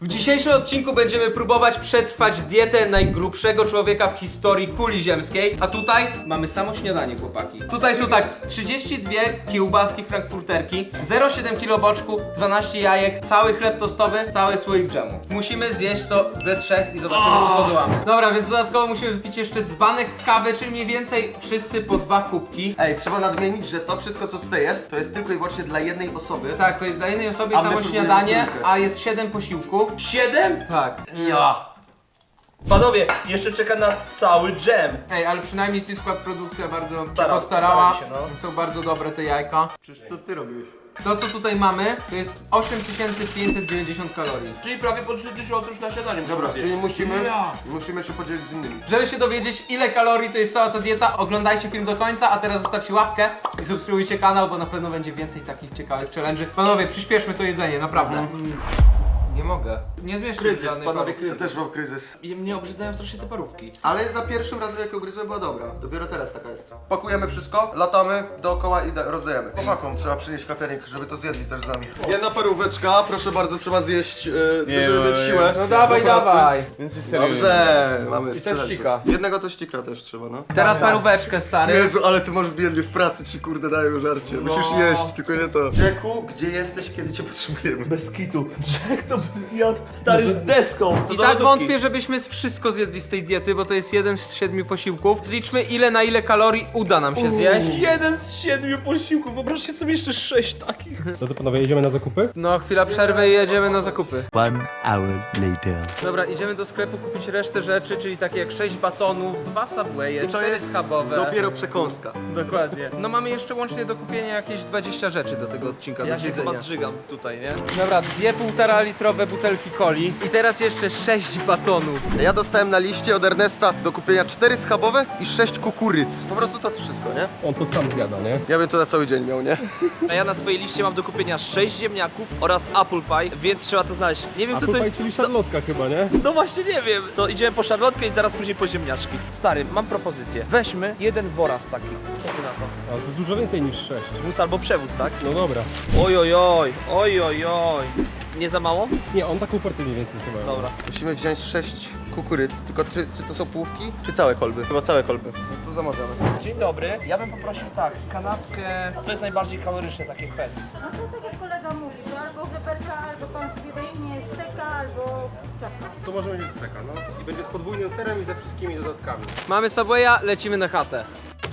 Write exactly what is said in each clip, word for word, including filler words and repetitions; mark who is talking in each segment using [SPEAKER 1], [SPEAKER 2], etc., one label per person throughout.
[SPEAKER 1] W dzisiejszym odcinku będziemy próbować przetrwać dietę najgrubszego człowieka w historii kuli ziemskiej. A tutaj mamy samo śniadanie, chłopaki. Tutaj są tak, trzydzieści dwie kiełbaski frankfurterki, zero przecinek siedem kilo boczku, dwanaście jajek, cały chleb tostowy, cały słoik dżemu. Musimy zjeść to we trzech i zobaczymy, co podołamy. Dobra, więc dodatkowo musimy wypić jeszcze dzbanek kawy, czyli mniej więcej wszyscy po dwa kubki.
[SPEAKER 2] Ej, trzeba nadmienić, że to wszystko, co tutaj jest, to jest tylko i wyłącznie dla jednej osoby.
[SPEAKER 1] Tak, to jest dla jednej osoby
[SPEAKER 2] A my
[SPEAKER 1] samo
[SPEAKER 2] próbujemy
[SPEAKER 1] śniadanie,
[SPEAKER 2] trójkę.
[SPEAKER 1] a jest siedem posiłków.
[SPEAKER 3] Siedem?
[SPEAKER 1] Tak.
[SPEAKER 3] Ja. Panowie, jeszcze czeka nas cały dżem.
[SPEAKER 1] Ej, ale przynajmniej ty skład produkcja bardzo się
[SPEAKER 3] Stara-
[SPEAKER 1] postarała.
[SPEAKER 3] starali się, no.
[SPEAKER 1] Są bardzo dobre te jajka.
[SPEAKER 2] Przecież to ty robiłeś.
[SPEAKER 1] To co tutaj mamy, to jest osiem tysięcy pięćset dziewięćdziesiąt kalorii.
[SPEAKER 3] Czyli prawie po trzy tysiące już na śniadanie musimy
[SPEAKER 2] Dobra,
[SPEAKER 3] zjeść.
[SPEAKER 2] czyli musimy,
[SPEAKER 3] Ja.
[SPEAKER 2] musimy się podzielić z innymi.
[SPEAKER 1] Żeby się dowiedzieć, ile kalorii to jest cała ta dieta, oglądajcie film do końca, a teraz zostawcie łapkę i subskrybujcie kanał, bo na pewno będzie więcej takich ciekawych challenge'y. Panowie, przyspieszmy to jedzenie, naprawdę.
[SPEAKER 2] Mhm.
[SPEAKER 1] Nie mogę. Nie zmieszczę
[SPEAKER 3] Kryzys,
[SPEAKER 1] żadnej
[SPEAKER 3] panowie,
[SPEAKER 1] parówki.
[SPEAKER 2] Ja
[SPEAKER 3] kryzys.
[SPEAKER 2] też mam kryzys.
[SPEAKER 3] I mnie obrzydzają strasznie te parówki.
[SPEAKER 2] Ale za pierwszym razem, jak ją ugryzłem, była dobra. Dopiero teraz taka jest. Pakujemy wszystko, latamy dookoła i da- rozdajemy. Chłopakom trzeba przynieść catering, żeby to zjedli też z nami. Jedna paróweczka, proszę bardzo, trzeba zjeść, yy, żeby mieć siłę.
[SPEAKER 1] No dawaj,
[SPEAKER 2] do pracy.
[SPEAKER 1] dawaj.
[SPEAKER 4] Więc jest serio.
[SPEAKER 2] Dobrze, mamy.
[SPEAKER 1] I
[SPEAKER 2] sprzedać.
[SPEAKER 1] tościka.
[SPEAKER 2] Jednego tościka też trzeba, no.
[SPEAKER 1] Teraz paróweczkę, stary.
[SPEAKER 2] Jezu, ale ty masz biednie w pracy, ci kurde dają żarcie. Musisz
[SPEAKER 3] No.
[SPEAKER 2] jeść, tylko nie to. Jacku, gdzie jesteś, kiedy cię potrzebujemy?
[SPEAKER 3] Bez kitu. Jack to by zjadł stary z deską.
[SPEAKER 1] I tak wątpię, żebyśmy z wszystko zjedli z tej diety, bo to jest jeden z siedmiu posiłków. Zliczmy, ile na ile kalorii uda nam się zjeść.
[SPEAKER 3] Jeden z siedmiu posiłków. Wyobraźcie sobie jeszcze sześć takich.
[SPEAKER 4] To co, panowie, jedziemy na zakupy?
[SPEAKER 1] No, chwila przerwy i jedziemy na zakupy.
[SPEAKER 5] One hour later.
[SPEAKER 1] Dobra, idziemy do sklepu kupić resztę rzeczy, czyli takie jak sześć batonów, dwa Subwaye, cztery schabowe.
[SPEAKER 2] dopiero przekąska.
[SPEAKER 1] Dokładnie. No mamy jeszcze łącznie do kupienia jakieś dwadzieścia rzeczy do tego odcinka,
[SPEAKER 3] Ja
[SPEAKER 1] do
[SPEAKER 3] się chyba
[SPEAKER 1] zjedzenia.
[SPEAKER 3] zżygam tutaj, nie?
[SPEAKER 1] Dobra, dwie półtora litrowe butelki coli i teraz jeszcze sześć batonów.
[SPEAKER 2] Ja dostałem na liście od Ernesta do kupienia cztery schabowe i sześć kukuryc. Po prostu to wszystko, nie?
[SPEAKER 4] On to sam zjada, nie?
[SPEAKER 2] Ja bym to na cały dzień miał, nie?
[SPEAKER 3] A ja na swojej liście mam do kupienia sześć ziemniaków oraz apple pie, więc trzeba to znaleźć. Nie wiem
[SPEAKER 4] A
[SPEAKER 3] co to
[SPEAKER 4] tutaj
[SPEAKER 3] jest.
[SPEAKER 4] czyli szarlotka chyba, nie?
[SPEAKER 3] No właśnie nie wiem. To idziemy po szarlotkę i zaraz później po ziemniaczki. Stary, mam propozycję. Weźmy jeden woraz taki. Co ty na to?
[SPEAKER 4] A to jest dużo więcej niż sześć.
[SPEAKER 3] Wóz albo przewóz, tak?
[SPEAKER 4] No dobra.
[SPEAKER 3] Oj, oj, oj, oj, oj, oj. Nie za mało?
[SPEAKER 4] Nie, on taką porcję mniej więcej chyba.
[SPEAKER 3] Dobra.
[SPEAKER 2] Musimy wziąć sześć kukuryc, tylko czy, czy to są półki, czy całe kolby? Chyba całe kolby. No to zamawiamy.
[SPEAKER 3] Dzień dobry. Ja bym poprosił tak, kanapkę. Co jest najbardziej kaloryczne, takie fest?
[SPEAKER 6] No to tak jak kolega mówi, to albo żeberka, albo pan sobie weźmie steka, albo czapka.
[SPEAKER 4] To możemy mieć steka, no. I będzie z podwójnym serem i ze wszystkimi dodatkami.
[SPEAKER 1] Mamy Subwaya, lecimy na chatę.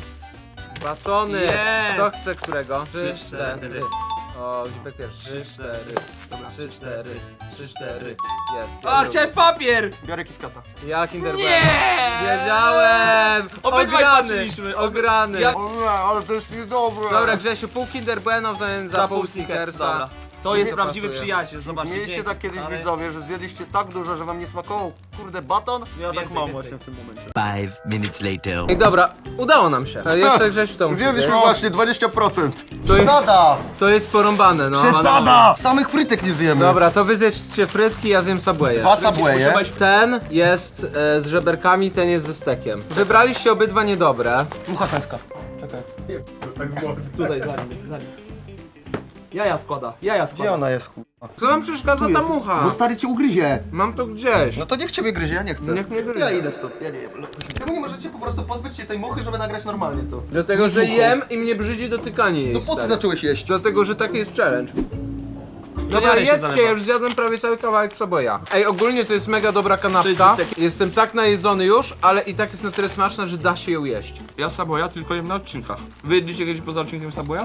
[SPEAKER 1] Batony!
[SPEAKER 3] Jest!
[SPEAKER 1] Kto chce którego? Trzy,
[SPEAKER 3] Trzy,
[SPEAKER 1] cztery.
[SPEAKER 3] cztery.
[SPEAKER 1] O, Zipek pierwszy. Trzy, cztery. Trzy, cztery. Trzy, cztery. Jest.
[SPEAKER 3] A, chciałem papier!
[SPEAKER 2] Biorę KitKata.
[SPEAKER 1] Ja Kinder
[SPEAKER 3] Nie!
[SPEAKER 1] Bueno. Wiedziałem!
[SPEAKER 3] Obydwaj
[SPEAKER 1] Ograny!
[SPEAKER 3] patrzyliśmy.
[SPEAKER 1] Ograny!
[SPEAKER 3] Ja-
[SPEAKER 2] O nie, ale to jest niedobre.
[SPEAKER 1] Dobra, Grzesiu, pół Kinder Bueno w zamian za, pół Snickersa.
[SPEAKER 3] Dobra. To jest
[SPEAKER 1] Nie
[SPEAKER 3] prawdziwy
[SPEAKER 1] pasuje.
[SPEAKER 3] przyjaciel, zobaczcie.
[SPEAKER 2] Mieliście
[SPEAKER 3] dzięki.
[SPEAKER 2] tak kiedyś
[SPEAKER 3] Ale-
[SPEAKER 2] widzowie, że zjedliście tak dużo, że wam nie smakował kurde baton? Ja tak
[SPEAKER 3] Więcej,
[SPEAKER 2] mam
[SPEAKER 3] więcej.
[SPEAKER 2] właśnie w tym momencie.
[SPEAKER 5] Five minutes later.
[SPEAKER 1] I dobra, udało nam się. Ale jeszcze Grzesiu to musi
[SPEAKER 2] Zjedliśmy
[SPEAKER 1] zjeść.
[SPEAKER 2] właśnie dwadzieścia procent.
[SPEAKER 1] To jest-
[SPEAKER 2] Zada!
[SPEAKER 1] To jest porąbane, no.
[SPEAKER 2] Przesada! Samych frytek nie zjemy.
[SPEAKER 1] Dobra, to wy zjedzcie frytki, ja zjem Subway'a.
[SPEAKER 2] Dwa Subwaye.
[SPEAKER 3] Używaj-
[SPEAKER 1] Ten jest e, z żeberkami, ten jest ze stekiem. Wybraliście obydwa niedobre.
[SPEAKER 2] Mucha sęska.
[SPEAKER 3] Tutaj za nim jest, za nim. Jaja składa, jaja
[SPEAKER 2] Gdzie
[SPEAKER 3] składa.
[SPEAKER 2] ona jest, kurwa?
[SPEAKER 1] Co nam przeszkadza ta mucha?
[SPEAKER 2] Bo stary cię ugryzie.
[SPEAKER 1] Mam to gdzieś.
[SPEAKER 2] No to niech ciebie gryzie, ja nie chcę.
[SPEAKER 1] Niech mnie gryzie.
[SPEAKER 2] Ja idę stąd, ja nie jem. Czemu nie możecie po prostu pozbyć się tej muchy, żeby nagrać normalnie to?
[SPEAKER 1] Dlatego, że jem i mnie brzydzi dotykanie jej.
[SPEAKER 2] No po co
[SPEAKER 1] stary.
[SPEAKER 2] zacząłeś jeść?
[SPEAKER 1] Dlatego, że taki jest challenge. Dobra,
[SPEAKER 3] Janiary się
[SPEAKER 1] jedzcie,
[SPEAKER 3] zalewa.
[SPEAKER 1] ja już zjadłem prawie cały kawałek Subwaya. Ej, ogólnie to jest mega dobra
[SPEAKER 3] To
[SPEAKER 1] kanapka.
[SPEAKER 3] jest ze stekiem.
[SPEAKER 1] Jestem tak najedzony już, ale i tak jest na tyle smaczna, że da się ją jeść.
[SPEAKER 3] Ja Subwaya tylko jem na odcinkach. Wy jedliście kiedyś poza odcinkiem Subwaya?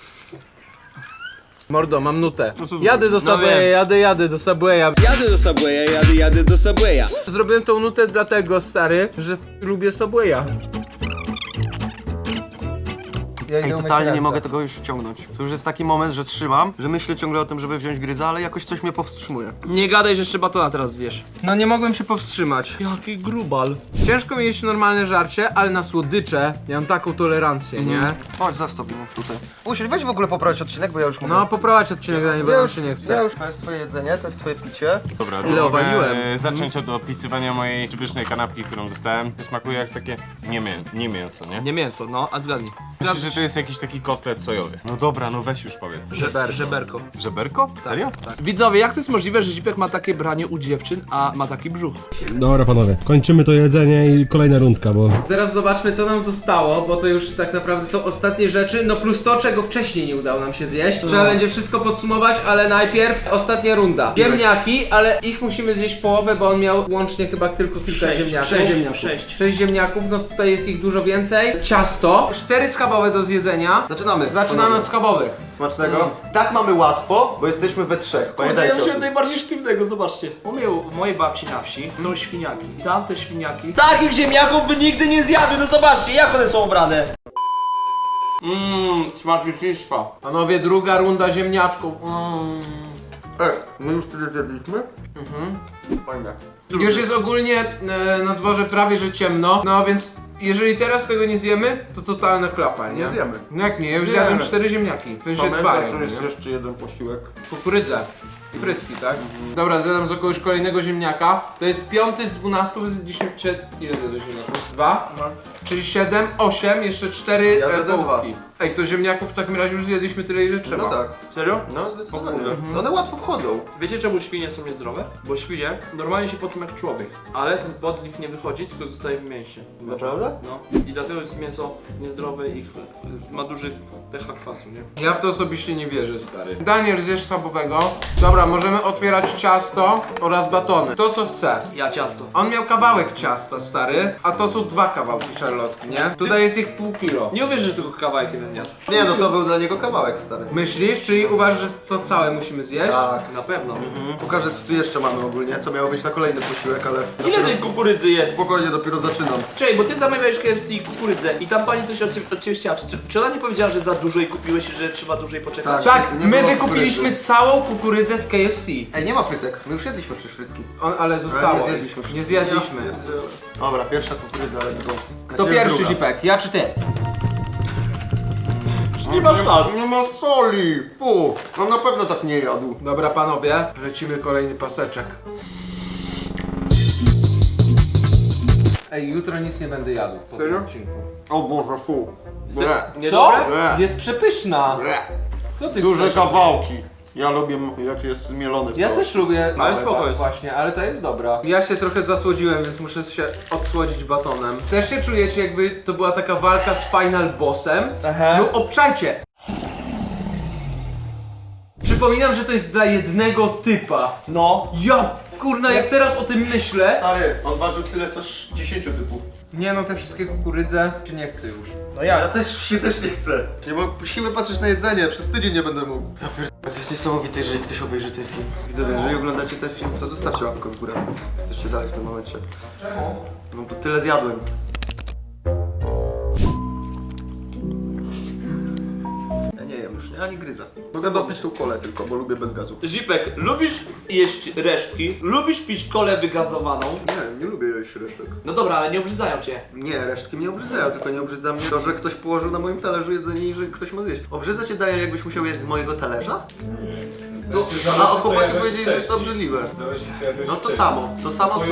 [SPEAKER 1] Mordo, mam nutę. Jadę do
[SPEAKER 3] No
[SPEAKER 1] Subwaya,
[SPEAKER 3] wiem.
[SPEAKER 1] jadę, jadę do Subwaya.
[SPEAKER 7] Jadę do Subwaya, jadę, jadę do Subwaya.
[SPEAKER 1] Zrobiłem tą nutę dlatego, stary, że w- lubię Subwaya. Ja idę
[SPEAKER 2] Ej,
[SPEAKER 1] umyć
[SPEAKER 2] totalnie nie
[SPEAKER 1] ręce.
[SPEAKER 2] mogę tego już wciągnąć. To już jest taki moment, że trzymam, że myślę ciągle o tym, żeby wziąć gryza, ale jakoś coś mnie powstrzymuje.
[SPEAKER 3] Nie gadaj, że jeszcze batona teraz zjesz.
[SPEAKER 1] No nie mogłem się powstrzymać.
[SPEAKER 3] Jaki grubal.
[SPEAKER 1] Ciężko mi jeść normalne żarcie, ale na słodycze ja mam taką tolerancję, nie?
[SPEAKER 2] Chodź, zastąp ją tutaj. Usiądź, weź w ogóle poprawić odcinek, bo ja już mówię.
[SPEAKER 1] No poprowadź odcinek dla mnie, bo
[SPEAKER 2] ja
[SPEAKER 1] ja
[SPEAKER 2] już
[SPEAKER 1] się nie
[SPEAKER 2] Ja
[SPEAKER 1] chcę.
[SPEAKER 2] już, to jest twoje jedzenie, to jest twoje picie.
[SPEAKER 4] Dobra,
[SPEAKER 1] Ile
[SPEAKER 4] to
[SPEAKER 1] owaliłem?
[SPEAKER 4] mogę e, zacząć od opisywania mojej przepysznej kanapki, którą dostałem. Smakuje jak takie
[SPEAKER 8] Nie, mię nie mięso, nie?
[SPEAKER 3] Nie mięso, no, a zgadnij.
[SPEAKER 8] Myślisz, że to jest jakiś taki kotlet sojowy. No dobra, no weź już powiedz.
[SPEAKER 3] Żeber, żeberko.
[SPEAKER 8] Żeberko? Serio?
[SPEAKER 3] Tak. Widzowie, jak to jest możliwe, że Zipek ma takie branie u dziewczyn, a ma taki brzuch?
[SPEAKER 4] Dobra panowie, kończymy to jedzenie i kolejna rundka, bo...
[SPEAKER 1] Teraz zobaczmy, co nam zostało, bo to już tak naprawdę są ostatnie rzeczy, no plus to, czego wcześniej nie udało nam się zjeść. Trzeba będzie wszystko podsumować, ale najpierw ostatnia runda. Ziemniaki, ale ich musimy zjeść połowę, bo on miał łącznie chyba tylko kilka ziemniaków.
[SPEAKER 3] Sześć ziemniaków. Sześć.
[SPEAKER 1] Sześć ziemniaków, no tutaj jest ich dużo więcej. Ciasto, cztery schabowe do zjedzenia.
[SPEAKER 2] Zaczynamy.
[SPEAKER 1] Zaczynamy od schabowych.
[SPEAKER 2] Smacznego. Tak mamy łatwo, bo jesteśmy we trzech. Pamiętajcie. o tym.
[SPEAKER 3] najbardziej sztywnego, zobaczcie. U mnie, u mojej babci na wsi są świniaki. I tam te świniaki... Takich ziemniaków by nigdy nie zjadły, no zobaczcie, jak one są ubrane.
[SPEAKER 1] Mmm, smacznictwo. Panowie, druga runda ziemniaczków. Mmm.
[SPEAKER 2] Ej, my już tyle zjedliśmy?
[SPEAKER 1] Mhm.
[SPEAKER 2] Fajne.
[SPEAKER 1] Już jest ogólnie e, na dworze prawie że ciemno, no więc jeżeli teraz tego nie zjemy, to totalna klapa, nie?
[SPEAKER 2] Nie zjemy.
[SPEAKER 1] No jak nie, ja już
[SPEAKER 2] Zjemy.
[SPEAKER 1] zjadłem cztery ziemniaki, w sensie dwa jakby, nie?
[SPEAKER 2] jeszcze jeden posiłek.
[SPEAKER 1] Kukurydzę. Frytki, tak? Dobra, zjadam z kogoś kolejnego ziemniaka. To jest piąty z dwunastu, zjedliśmy... Cie... Ile zjadłeś ziemniaków? Dwa? No. Czyli siedem, osiem, jeszcze cztery
[SPEAKER 2] Ja
[SPEAKER 1] e,
[SPEAKER 2] zjadłem
[SPEAKER 1] połówki. Ej, to ziemniaków w takim razie już zjedliśmy tyle, ile trzeba.
[SPEAKER 2] No tak.
[SPEAKER 3] Serio?
[SPEAKER 2] No zdecydowanie.
[SPEAKER 3] Mhm.
[SPEAKER 2] One łatwo wchodzą.
[SPEAKER 3] Wiecie czemu świnie są niezdrowe? Bo świnie normalnie się poczują jak człowiek, ale ten pot z nich nie wychodzi, tylko zostaje w mięsie.
[SPEAKER 2] Naprawdę?
[SPEAKER 3] No. I dlatego jest mięso niezdrowe i ch- ma duży pH kwasu, nie?
[SPEAKER 1] Ja w to osobiście nie wierzę, stary. Daniel, zjesz schabowego. Dobra, możemy otwierać ciasto oraz batony. To co chce.
[SPEAKER 3] Ja ciasto.
[SPEAKER 1] On miał kawałek ciasta, stary, a to są dwa kawałki szarlotki, nie? Tutaj jest ich pół kilo.
[SPEAKER 3] Nie uwierzysz, że tylko kawałek jeden jadł.
[SPEAKER 2] Nie no, to był dla niego kawałek, stary.
[SPEAKER 1] Myślisz? Czyli uważasz, że co całe musimy zjeść?
[SPEAKER 2] Tak.
[SPEAKER 3] Na pewno.
[SPEAKER 2] Pokażę co tu jeszcze mamy ogólnie, co miało być na kolejny posiłek, ale...
[SPEAKER 3] Ile tej kukurydzy jest?
[SPEAKER 2] Spokojnie, dopiero zaczynam.
[SPEAKER 3] Czekaj, bo ty zamawiałeś K F C i kukurydzę i tam pani coś od ciebie, od ciebie chciała. Czy, czy ona nie powiedziała, że za dużo jej kupiłeś i że trzeba dłużej poczekać?
[SPEAKER 2] Tak.
[SPEAKER 1] Tak,
[SPEAKER 2] Nie
[SPEAKER 1] my
[SPEAKER 2] było
[SPEAKER 1] wykupiliśmy
[SPEAKER 2] kukurydzy.
[SPEAKER 1] całą kukurydzę z K F C.
[SPEAKER 2] Ej, nie ma frytek, my już jedliśmy przecież frytki.
[SPEAKER 1] On, ale zostało.
[SPEAKER 2] nie zjedliśmy
[SPEAKER 1] Nie
[SPEAKER 2] wszystkiego.
[SPEAKER 1] zjedliśmy.
[SPEAKER 2] Ja pierdzielę. Dobra, pierwsza kukurydza, let's go.
[SPEAKER 1] Kto
[SPEAKER 2] Znaczy,
[SPEAKER 1] pierwszy,
[SPEAKER 2] druga.
[SPEAKER 1] Zipek? Ja czy ty?
[SPEAKER 3] Nie masz szans.
[SPEAKER 2] Nie ma soli! Fu! On na pewno tak nie jadł.
[SPEAKER 1] Dobra, panowie, lecimy kolejny paseczek. Ej, jutro nic nie będę jadł po
[SPEAKER 2] Serio?
[SPEAKER 1] tym odcinku.
[SPEAKER 2] O Boże, fu. Ble.
[SPEAKER 3] Nie
[SPEAKER 1] Co?
[SPEAKER 3] dobre?
[SPEAKER 2] Ble.
[SPEAKER 1] Jest przepyszna.
[SPEAKER 2] Ble.
[SPEAKER 1] Co ty
[SPEAKER 2] Duże
[SPEAKER 1] chcesz?
[SPEAKER 2] kawałki. Ja lubię jak jest mielone w
[SPEAKER 1] Ja
[SPEAKER 2] całość.
[SPEAKER 1] też lubię, małe
[SPEAKER 3] spoko
[SPEAKER 1] ba-
[SPEAKER 3] jest.
[SPEAKER 1] właśnie, ale to jest dobra. Ja się trochę zasłodziłem, więc muszę się odsłodzić batonem. Też się czujecie, jakby to była taka walka z final bossem?
[SPEAKER 3] Aha.
[SPEAKER 1] No obczajcie! Przypominam, że to jest dla jednego typa.
[SPEAKER 3] No.
[SPEAKER 1] Ja kurna, jak teraz o tym myślę.
[SPEAKER 2] Stary, on ważył tyle co dziesięciu typów.
[SPEAKER 1] Nie no, te wszystkie kukurydze się nie chcę już.
[SPEAKER 2] No ja. Ja też się też nie chcę. Nie mam siły patrzeć na jedzenie, przez tydzień nie będę mógł. Ja pier... To jest niesamowite, jeżeli ktoś obejrzy ten film. Widzowie, jeżeli oglądacie ten film, to zostawcie łapkę w górę. Jesteście dalej w tym momencie.
[SPEAKER 1] Czemu?
[SPEAKER 2] No bo tyle zjadłem. Ja nie jem już, nie? Ani gryza. Mogę dopić tą kolę tylko, bo lubię bez gazu.
[SPEAKER 3] Zipek, lubisz jeść resztki? Lubisz pić kolę wygazowaną?
[SPEAKER 2] Nie, nie lubię jeść resztek.
[SPEAKER 3] No dobra, ale nie obrzydzają cię.
[SPEAKER 2] Nie, resztki mnie obrzydzają, tylko nie obrzydza mnie to, że ktoś położył na moim talerzu jedzenie i że ktoś ma zjeść. Obrzydza cię, Daniel, jakbyś musiał jeść z mojego talerza? To, a o chłopaki powiedzieli, że jest to obrzydliwe. No to samo, to samo co...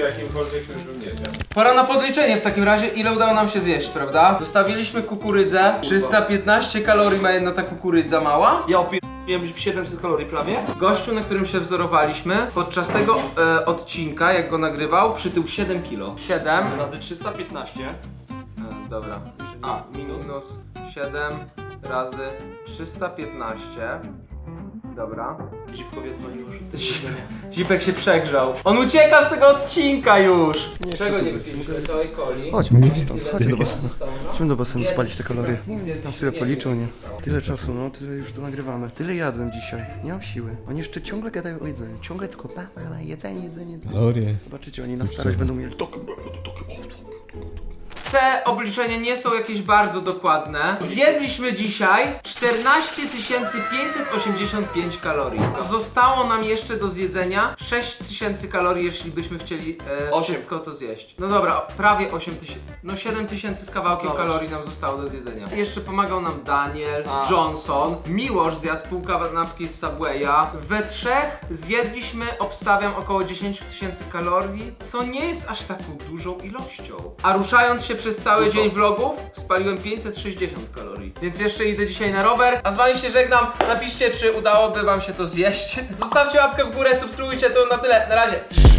[SPEAKER 1] Pora na podliczenie w takim razie, ile udało nam się zjeść, prawda? Zostawiliśmy kukurydzę. trzysta piętnaście kalorii ma jedna ta kukurydza mała.
[SPEAKER 3] Ja opierdoliłem siedemset kalorii prawie.
[SPEAKER 1] Gościu, na którym się wzorowaliśmy, podczas tego e, odcinka, jak go nagrywał, przytył siedem kilo. siedem.
[SPEAKER 3] Razy trzysta piętnaście.
[SPEAKER 1] E, dobra.
[SPEAKER 3] A, minus.
[SPEAKER 1] Minus siedem razy trzysta piętnaście. Dobra.
[SPEAKER 3] Zipkowi odwaliło rzut jedzenia.
[SPEAKER 1] Zipek się przegrzał. On ucieka z tego odcinka już! Czego nie wypiliśmy? Całej coli.
[SPEAKER 2] Chodźmy gdzieś tam,
[SPEAKER 1] Tyle
[SPEAKER 2] chodź do
[SPEAKER 1] czasu
[SPEAKER 2] basenu.
[SPEAKER 1] zostało, no.
[SPEAKER 2] Chodźmy do basenu spalić te kalorie.
[SPEAKER 1] Zjedliśmy
[SPEAKER 2] Tam sobie
[SPEAKER 1] więcej.
[SPEAKER 2] policzą, nie? Tyle czasu, no, tyle już to nagrywamy. Tyle jadłem dzisiaj, nie mam siły. Oni jeszcze ciągle gadają o jedzeniu, ciągle tylko pa, pa, pa, jedzenie, jedzenie, jedzenie.
[SPEAKER 4] Kalorie.
[SPEAKER 2] Zobaczycie, oni na starość będą mieli takie, takie, takie.
[SPEAKER 1] Te obliczenia nie są jakieś bardzo dokładne. Zjedliśmy dzisiaj czternaście tysięcy pięćset osiemdziesiąt pięć kalorii. Zostało nam jeszcze do zjedzenia sześć tysięcy kalorii, jeśli byśmy chcieli e,
[SPEAKER 3] Osiem.
[SPEAKER 1] wszystko to zjeść. No dobra, prawie osiem tysięcy. No siedem tysięcy z kawałkiem
[SPEAKER 3] No
[SPEAKER 1] kalorii nam zostało do zjedzenia. Jeszcze pomagał nam Daniel,
[SPEAKER 3] A.
[SPEAKER 1] Johnson, Miłosz zjadł pół kanapki z Subwaya. We trzech zjedliśmy, obstawiam, około dziesięć tysięcy kalorii, co nie jest aż taką dużą ilością. A ruszając się przez cały dzień vlogów spaliłem pięćset sześćdziesiąt kalorii. Więc jeszcze idę dzisiaj na rower. A z wami się żegnam. Napiszcie, czy udałoby wam się to zjeść. Zostawcie łapkę w górę, subskrybujcie, to na tyle. Na razie.